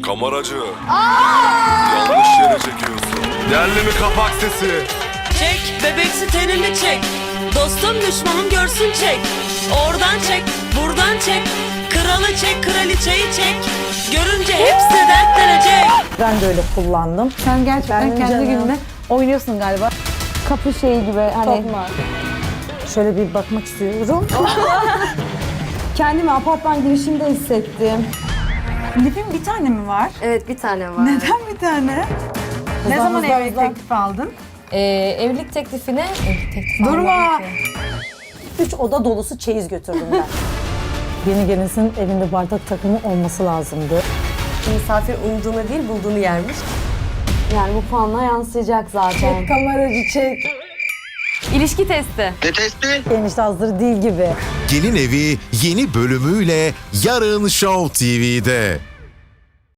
Kameracı. Yanlış yere çekiyorsun. Geldi mi kapak sesi? Çek, bebeksi tenini çek. Dostum düşmanım görsün çek. Oradan çek, buradan çek. Kralı çek, kraliçeyi çek. Görünce hepsi dertlenecek. Ben de öyle kullandım. Sen gerçekten Ben kendi canım. gününe oynuyorsun galiba. Kapı şeyi gibi hani Tokma. şöyle bir bakmak istiyorum. Kendimi apartman girişinde hissettim. Lifin bir tane mi var? Evet, bir tane var. Neden bir tane? Ne Hızlan, zaman hızlan, evlilik hızlan. teklifi aldın? Evlilik teklifine... Durma! 3 oda dolusu çeyiz götürdüm ben. Yeni gelinsin evinde bardak takımı olması lazımdı. Misafir umduğunu değil, bulduğunu yermiş. Yani bu puanla yansıyacak zaten. Kameracı çek. İlişki testi. Enişte hazır değil gibi. Gelin Evi yeni bölümüyle yarın Show TV'de.